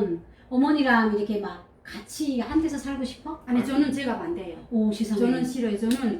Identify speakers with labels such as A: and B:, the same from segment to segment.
A: 그러면 어머니랑 이렇게 막 같이 한 데서 살고 싶어?
B: 아니 저는 제가 반대예요.
A: 오 세상에.
B: 저는 싫어요. 저는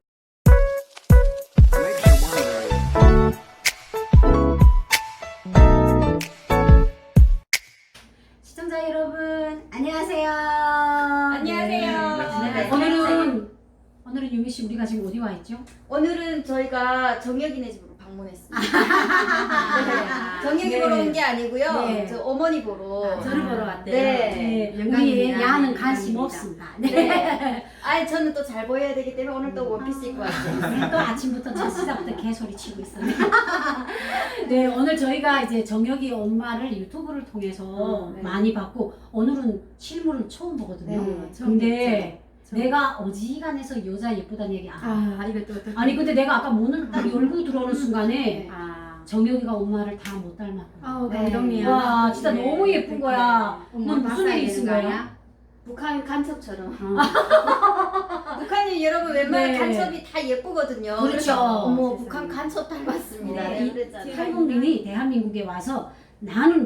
A: 시청자 여러분 안녕하세요.
C: 안녕하세요.
A: 네. 오늘은 유미 씨 우리가 지금 어디 와 있죠?
C: 오늘은 저희가 정혁이네 집으로 방문했습니다. 네. 정혁이
A: 네.
C: 보러 온 게 아니고요.
A: 네.
C: 저 어머니 보러.
B: 저를 보러 왔대요.
C: 네.
A: 우리
B: 영광입니다.
A: 야는
B: 네,
A: 관심
B: 영광입니다.
A: 없습니다.
C: 네. 아니 저는 또 잘 보여야 되기 때문에 오늘 또 원피스 입고 왔어요.
A: 또 아침부터 첫 시작부터 개소리 치고 있어요. 네, 오늘 저희가 이제 정혁이 엄마를 유튜브를 통해서
C: 네.
A: 많이 봤고 오늘은 실물은 처음 보거든요.
C: 네,
B: 처음
A: 근데
B: 저-
A: 내가 어지간해서 여자 예쁘다는 얘기
B: 아 이것도 어떻게?
A: 아니 근데 내가 아까 문을 딱 열고 들어오는 순간에
B: 아.
A: 정혁이가 엄마를 다 못 닮았구나.
B: 아우
C: 네.
B: 감동이야.
A: 와 진짜
B: 네.
A: 너무 예쁜 거야.
B: 엄마
A: 넌 무슨 일이 있은 거야?
C: 북한 간첩처럼.
A: 어.
C: 북한이 여러분 웬만한
A: 네.
C: 간첩이 다 예쁘거든요.
A: 그렇죠.
C: 그래서 어머
B: 세상에.
C: 북한 간첩 닮았습니다.
A: 네.
C: 네, 그랬잖아요.
A: 탈북민이 대한민국에 와서 나는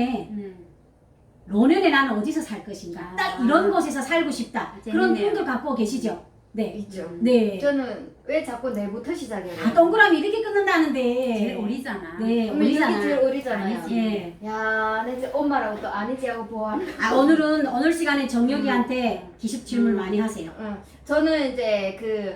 A: 노년에 나는 어디서 살 것인가?
B: 아.
A: 딱 이런 곳에서 살고 싶다. 그런
B: 재밌네요.
A: 꿈들 갖고 계시죠? 네.
C: 있죠.
A: 네.
C: 저는 왜 자꾸 내부터 시작해요?
A: 다 동그라미 이렇게 끊는다는데.
B: 제일 어리잖아.
A: 네,
C: 어머니 여기
A: 어리잖아.
C: 제일 어리잖아요.
B: 아니지.
A: 예.
C: 야, 내 이제 엄마라고 또 아니지 하고 보아하는.
A: 아, 오늘 시간에 정혁이한테 기습 질문 많이 하세요.
C: 응. 저는 이제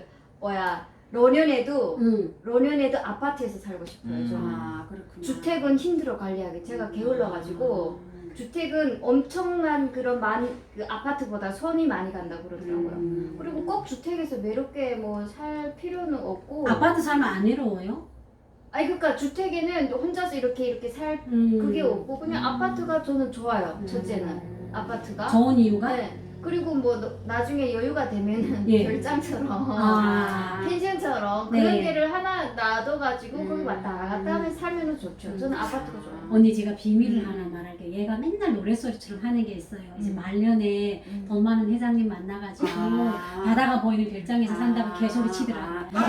C: 로년에도 아파트에서 살고 싶어요. 저는.
B: 아 그렇구나.
C: 주택은 힘들어 관리하기. 제가 게을러가지고 주택은 엄청난 그런 그 아파트보다 손이 많이 간다고 그러더라고요. 그리고 꼭 주택에서 외롭게 뭐 살 필요는 없고.
A: 아파트 살면 안 외로워요?
C: 아니 그러니까 주택에는 혼자서 이렇게 살 그게 없고 그냥 아파트가 저는 좋아요. 첫째는 아파트가.
A: 좋은 이유가?
C: 네. 그리고 뭐 나중에 여유가 되면은
A: 예.
C: 별장처럼
A: 아.
C: 펜션처럼
A: 네.
C: 그런 데를 하나 놔둬가지고 거기 왔다 갔다 하면 살면은 좋죠. 저는 아파트가 좋아요.
A: 언니 제가 비밀을 하나 말할게요. 얘가 맨날 노랫소리처럼 하는 게 있어요. 이제 말년에 돈 많은 회장님 만나가지고
B: 아.
A: 바다가 보이는 별장에서 산다고 개소리 치더라고요.
B: 아.
A: 이게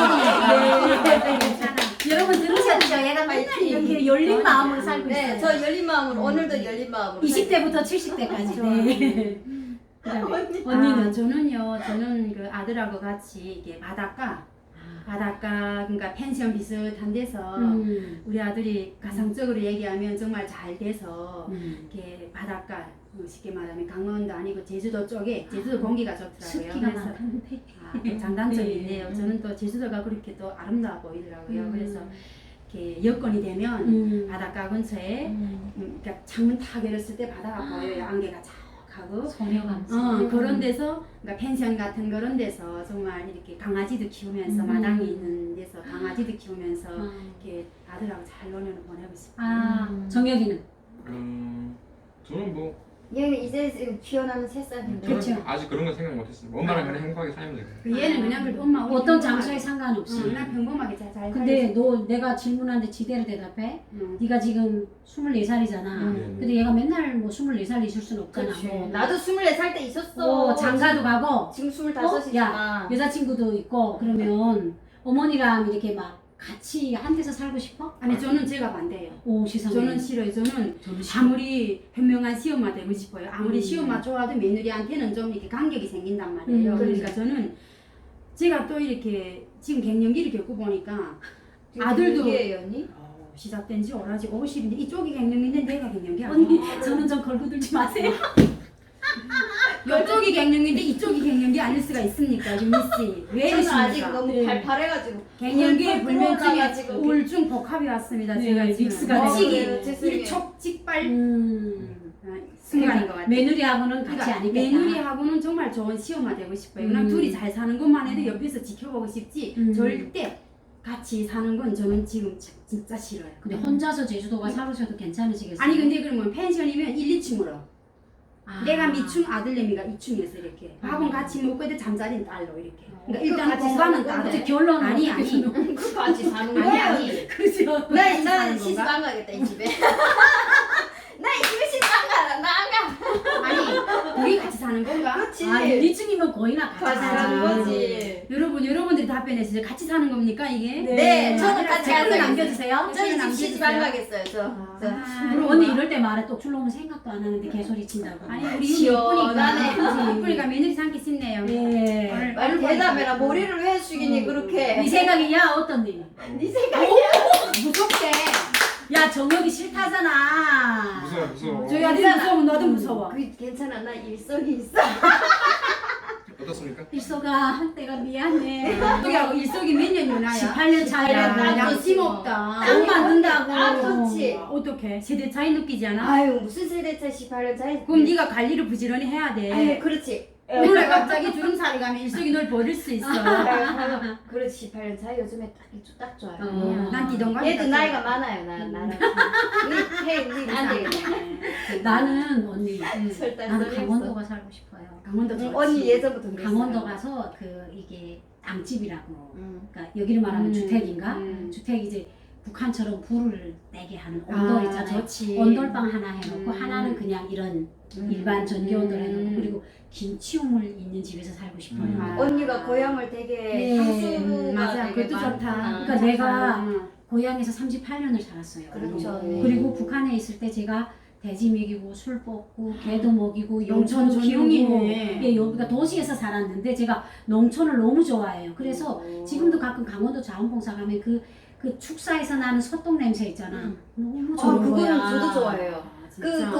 A: 하는 소리예요.
B: 네. 괜찮아.
A: 여러분 들으셨죠? 얘가 맨날 이렇게 열린 마음으로 살고
C: 네,
A: 있어요.
C: 저 열린 마음으로 오늘도 열린 마음으로.
A: 20대부터 70대까지. 네. 그다음에 언니는
B: 아, 저는 그 아들하고 같이 이게 바닷가 그러니까 펜션 비슷한 데서 우리 아들이 가상적으로 얘기하면 정말 잘 돼서 이렇게 바닷가 쉽게 말하면 강원도 아니고 제주도 쪽에 제주도 공기가 좋더라고요.
A: 습기가
B: 그래서
A: 많던데.
B: 그 장단점이
A: 네.
B: 있네요. 저는 또 제주도가 그렇게 또 아름다워 보이더라고요. 그래서 이렇게 여건이 되면 바닷가 근처에 그러니까 창문 탁 열었을 때 바다가 보여요. 안개가 쫙 하고
A: 소녀감.
B: 그런 데서 그러니까 펜션 같은 그런 데서 정말 이렇게 강아지도 키우면서 마당이 있는 데서 강아지도 키우면서 이렇게 아들하고 잘 노년을 보내고 싶어요.
A: 아, 정혁이는?
D: 저는 뭐
C: 얘는 이제 지금 피어나는 새싹인데.
D: 저는
A: 그쵸.
D: 아직 그런 건 생각 못했어요. 엄마랑 그냥 행복하게 살면 되고.
B: 그 얘는 그냥 그래도 엄마 우리
A: 어떤
B: 평범하게-
A: 장소에 상관없이.
B: 그냥 평범하게 잘
A: 근데 너 내가 질문하는데 지대로 대답해? 네가 지금 24살이잖아. 근데 얘가 맨날 뭐 24살 있을 순 없잖아.
C: 그렇지.
A: 뭐.
C: 나도 24살 때 있었어.
A: 장가도 가고
C: 지금 25이지만.
A: 야, 여자친구도 있고 그러면 어머니랑 이렇게 막 같이 한 데서 살고 싶어?
B: 아니 저는 제가 반대예요.
A: 오 세상에.
B: 저는 싫어요. 저는 아무리 현명한 시엄마 되고 싶어요. 아무리 시엄마 좋아도 며느리한테는 좀 이렇게 간격이 생긴단 말이에요. 그러니까 저는 제가 또 이렇게 지금 갱년기를 겪고 보니까 아들도
C: 얘기예요, 언니?
B: 시작된 지 오라지 50인데 이쪽이 갱년기인데 내가 갱년기 아니야.
A: 언니 저는 좀 걸고 들지 마세요.
B: 이쪽이 갱년기인데 이쪽이 갱년기 아닐 수가 있습니까, 유미 씨? 왜
C: 저는 아직
B: 이러십니까?
C: 너무
A: 네.
C: 팔팔해가지고.
B: 갱년기
C: 펄펄
B: 불면증에
C: 끓어올라가지고.
B: 우울증 복합이 왔습니다.
A: 네,
B: 제가 지금
A: 믹스가
B: 미치기
C: 돼요. 죄송해요.
B: 일촉즉발
A: 그러니까
B: 순간인 것 같아요.
A: 며느리하고는 같이
B: 그러니까
A: 안 있겠다.
B: 며느리하고는 정말 좋은 시엄마 되고 싶어요. 그냥 둘이 잘 사는 것만 해도 옆에서 지켜보고 싶지 절대 같이 사는 건 저는 지금 진짜 싫어요.
A: 근데 혼자서 제주도가 살으셔도 괜찮으시겠어요?
B: 아니 근데 그러면 펜션이면 1, 2층으로
A: 아.
B: 내가 미충 아들내미가 2층에서 이렇게 밥은 같이 먹고 애들 잠자리는 딸로 이렇게 그러니까 일단
C: 같이
B: 공간은
C: 사는
B: 따로
C: 건데.
A: 결론은
B: 아니
A: 어떻게
B: 아니
A: 주는
C: 그 같이 사는
B: 아니
C: 거야.
B: 아니
A: 그죠?
C: 나
B: 사는
C: 시집
B: 건가?
C: 안 가겠다 이 집에. 나 이 집에 시집 안 가. 나 안 가.
B: 아니 우리 같이 사는 사는 건가?
C: 그렇지.
A: 아, 1층이면 거의나 같이
C: 같이 사는
A: 살지.
C: 거지.
B: 여러분들이 답변해 주세요. 같이 사는 겁니까 이게?
C: 네, 저는 같이
A: 댓글
C: 살아요.
A: 남겨주세요.
C: 저희 집 시집 안
B: 남겨주세요.
C: 가겠어요. 저.
B: 아,
A: 그리고 언니 이럴 때 말해 또 출렁면 생각도 안 하는데 개소리 친다고.
B: 아니 우리
C: 시원하네.
B: 이쁘니까 며느리 삼기 싶네요.
A: 네.
B: 오늘
C: 빨리 대답해라. 머리를 왜 숙이니 그렇게.
A: 네 생각이냐 어떤 일?
C: 네 생각이야.
A: 무섭게. 야 정혁이 싫다잖아.
D: 무서워.
B: 저희 아들이 무서우면 너도 무서워.
C: 그 괜찮아. 나 일성이 있어.
D: 어떻습니까?
A: 일소가 내가 미안해.
B: 일석이하고 일석이 몇 년 유나야?
A: 18년 차이라
B: 야,
C: 나
B: 양심 없다.
A: 딱 만든다고.
C: 아, 좋지.
B: 어떻게? 세대 차이 느끼지 않아?
C: 아유 무슨 세대 차 18년 차이.
B: 그럼 네가 관리를 부지런히 해야 돼.
C: 아유 그렇지.
B: 오늘 갑자기 주름살이 가면 일석이 널 버릴 수 있어.
C: 그렇지 18년 차이 요즘에 딱 좋아요.
B: 난 기동감.
C: 얘도 나이가 많아요. 나랑. 우리 안 되겠다.
A: 나는 언니.
C: 절단
A: 나는
C: 소리
A: 강원도가 살고 싶어요.
B: 강원도 좋지.
C: 언니 예전부터 그랬어요.
A: 강원도 가서 그 이게 땅집이라고.
C: 응.
A: 그러니까 여기를 말하면 주택인가?
B: 음.
A: 주택 이제 북한처럼 불을 떼게 하는 온돌 있잖아요.
B: 좋지.
A: 온돌방 하나 해놓고
B: 음.
A: 하나는 그냥 이런 일반 전기 온돌 해놓고 그리고 김치우물 있는 집에서 살고 싶어요.
B: 아.
C: 언니가 고향을 되게
A: 네.
C: 향수가
B: 맞아.
C: 되게
B: 그것도
C: 많다.
B: 좋다.
A: 그러니까 내가 고향에서 38년을 살았어요.
C: 그렇죠.
A: 그리고 북한에 있을 때 제가 돼지 먹이고 술 뽑고 개도 먹이고
B: 농촌
A: 영천도 키우고
B: 전용이네.
A: 예, 여기가 도시에서 살았는데 제가 농촌을 너무 좋아해요. 그래서 지금도 가끔 강원도 자원봉사 가면 그 축사에서 나는 소똥 냄새 있잖아. 너무 좋은
C: 그거는
A: 거야.
C: 저도 좋아해요.
B: 아, 진짜.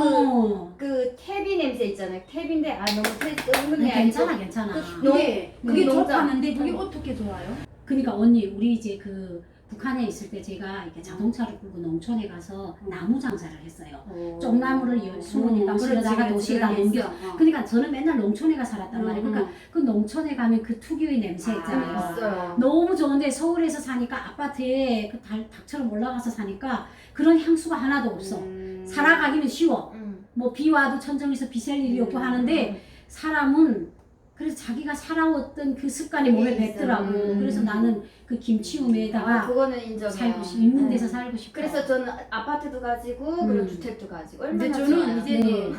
C: 그 태비 냄새 있잖아요. 태비인데 너무 끓는
A: 근데
C: 게
A: 괜찮아
C: 아니고
A: 괜찮아.
B: 그게
C: 농장.
B: 좋다는데 그게 어떻게 좋아요?
A: 그러니까 언니 우리 이제 그 북한에 있을 때 제가 이렇게 자동차를 끌고 농촌에 가서 나무 장사를 했어요. 쪽나무를 20방 실어다가 도시에다 넘겨. 그러니까 저는 맨날 농촌에 가 살았단 말이에요. 그러니까 그 농촌에 가면 그 특유의 냄새 있잖아요.
C: 있어요.
A: 너무 좋은데 서울에서 사니까 아파트에 그 닭처럼 올라가서 사니까 그런 향수가 하나도 없어. 살아가기는 쉬워. 뭐 비 와도 천정에서 비 셀 일이 없고 하는데 사람은 그래서 자기가 살아왔던 그 습관이 몸에 뱉더라고. 그래서 나는 그 김치우메에다가
C: 그거는 인정해요.
A: 살고 싶, 있는 데서 살고 싶어.
C: 그래서 저는 아파트도 가지고 그리고 주택도 가지고
B: 근데
C: 얼마나
B: 저는
C: 좋아요.
B: 이제
A: 네.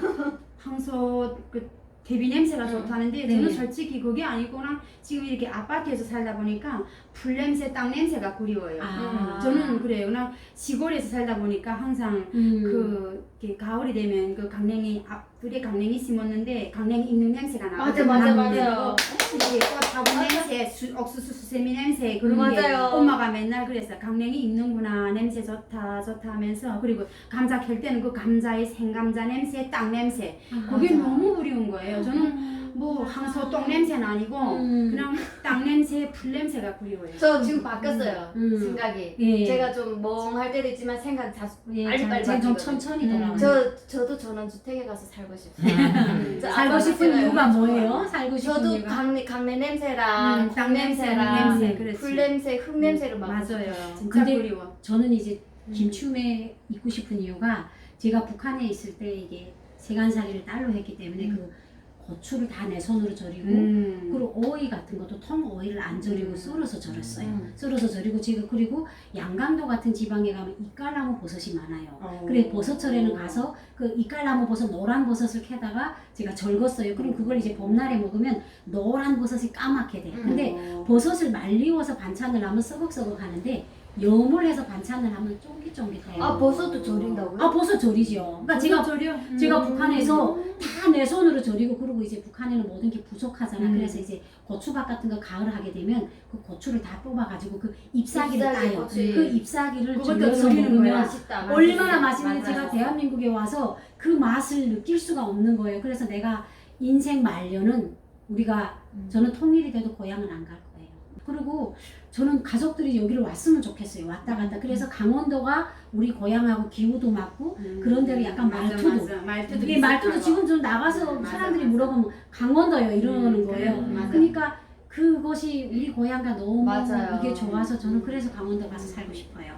B: 항소 그 대비 냄새가 좋다는데 저는
A: 네.
B: 솔직히 그게 아니고랑 지금 이렇게 아파트에서 살다 보니까 풀 냄새, 땅 냄새가 그리워요. 저는 그래요. 나 시골에서 살다 보니까 항상 그 이렇게 가을이 되면 그 강냉이 앞둘에 강냉이 심었는데 강냉이 익는 냄새가 나거든요.
C: 맞아요.
B: 이게 꽃화분 냄새, 옥수수 수세미 냄새 그런 게
C: 맞아요.
B: 엄마가 맨날 그랬어. 강냉이 익는구나 냄새 좋다 하면서 그리고 감자 켤 때는 그 감자의 생감자 냄새, 땅 냄새 그게 너무 그리운 거예요. 저는 뭐 항소 똥 냄새는 아니고 그냥 땅 냄새, 풀 냄새가 그리워요.
C: 저 지금 바뀌었어요.
A: 음.
C: 생각이.
A: 예.
C: 제가 좀 멍할 때도 있지만 생각 다
A: 예,
C: 빨리빨리
A: 좀
C: 바뀌거든요.
A: 천천히 돌아가.
C: 저도 전원주택에 가서 살고 싶어요. 저
A: 살고
C: 아까
A: 싶은
C: 말씀드린
A: 이유가
C: 것처럼.
A: 뭐예요? 살고 싶은
C: 저도
A: 이유가?
C: 강내 냄새랑
B: 땅
C: 콩
B: 냄새,
C: 냄새랑
B: 냄새, 그렇지.
C: 풀 냄새, 흙 냄새를 맡고
B: 맞아요.
C: 싶어요.
B: 진짜
A: 근데
B: 그리워.
A: 저는 이제 김치움에 있고 싶은 이유가 제가 북한에 있을 때 이게 세간살이를 딸로 했기 때문에 그 고추를 다 내 손으로 절이고 그리고 오이 같은 것도 통 오이를 안 절이고 썰어서 절였어요. 썰어서 절이고 지금 그리고 양강도 같은 지방에 가면 이깔나무 버섯이 많아요. 그래 버섯철에는 가서 그 이깔나무 버섯 노란 버섯을 캐다가 제가 절궜어요. 그럼 그걸 이제 봄날에 먹으면 노란 버섯이 까맣게 돼. 근데 버섯을 말리워서 반찬을 하면 썩걱썩걱 하는데 염을 해서 반찬을 하면 쫄깃쫄깃해요.
C: 아 버섯도 절인다고요?
A: 아 버섯 절이죠. 그러니까 제가 북한에서 다 내 손으로 절이고 그리고 이제 북한에는 모든 게 부족하잖아. 그래서 이제 고추밥 같은 거 가을 하게 되면 그 고추를 다 뽑아가지고 그 잎사귀를
C: 잎사귀,
A: 따요.
C: 고추.
A: 그 잎사귀를
B: 그것도
A: 절여서
B: 절이는 거야.
A: 먹으면
C: 맛있다.
A: 얼마나 맛있는지
C: 맞아요.
A: 제가 대한민국에 와서 그 맛을 느낄 수가 없는 거예요. 그래서 내가 인생 말년은 저는 통일이 돼도 고향은 안 갈 거예요. 그리고 저는 가족들이 여기를 왔으면 좋겠어요. 왔다 갔다. 그래서 강원도가 우리 고향하고 기후도 맞고 그런 데로 약간 말투도.
B: 말투도
A: 이게 말투도 지금 좀 나가서 사람들이 물어보면 강원도요 이러는 거예요.
B: 맞아.
A: 그러니까 그것이 우리 고향과 너무
C: 맞아요.
A: 이게 좋아서 저는 그래서 강원도 가서 살고 싶어요.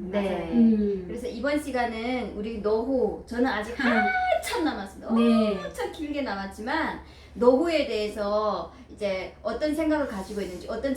C: 네. 그래서 이번 시간은 우리 노후 저는 아직 한참 남았습니다.
A: 네.
C: 엄청 길게 남았지만 노후에 대해서 이제 어떤 생각을 가지고 있는지 어떤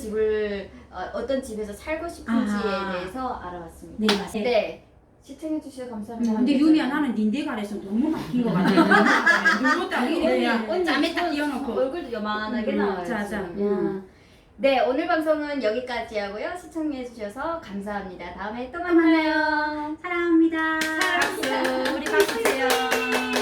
C: 집에서 살고 싶은지에 대해서 알아봤습니다.
A: 네, 맞습니다.
C: 네. 시청해 주셔서 감사합니다.
B: 근데 유미야 나는 닌데 가래서 너무 바뀐 것 같아. 물로 딱 그냥
C: 언니
B: 짬에 딱
C: 손,
B: 띄워놓고.
C: 얼굴도 요만하게 나와요.
B: 자자.
C: 네, 오늘 방송은 여기까지 하고요. 시청해주셔서 감사합니다. 다음에 또 만나요.
A: 사랑합니다.
B: 박수. 우리 박수 주세요.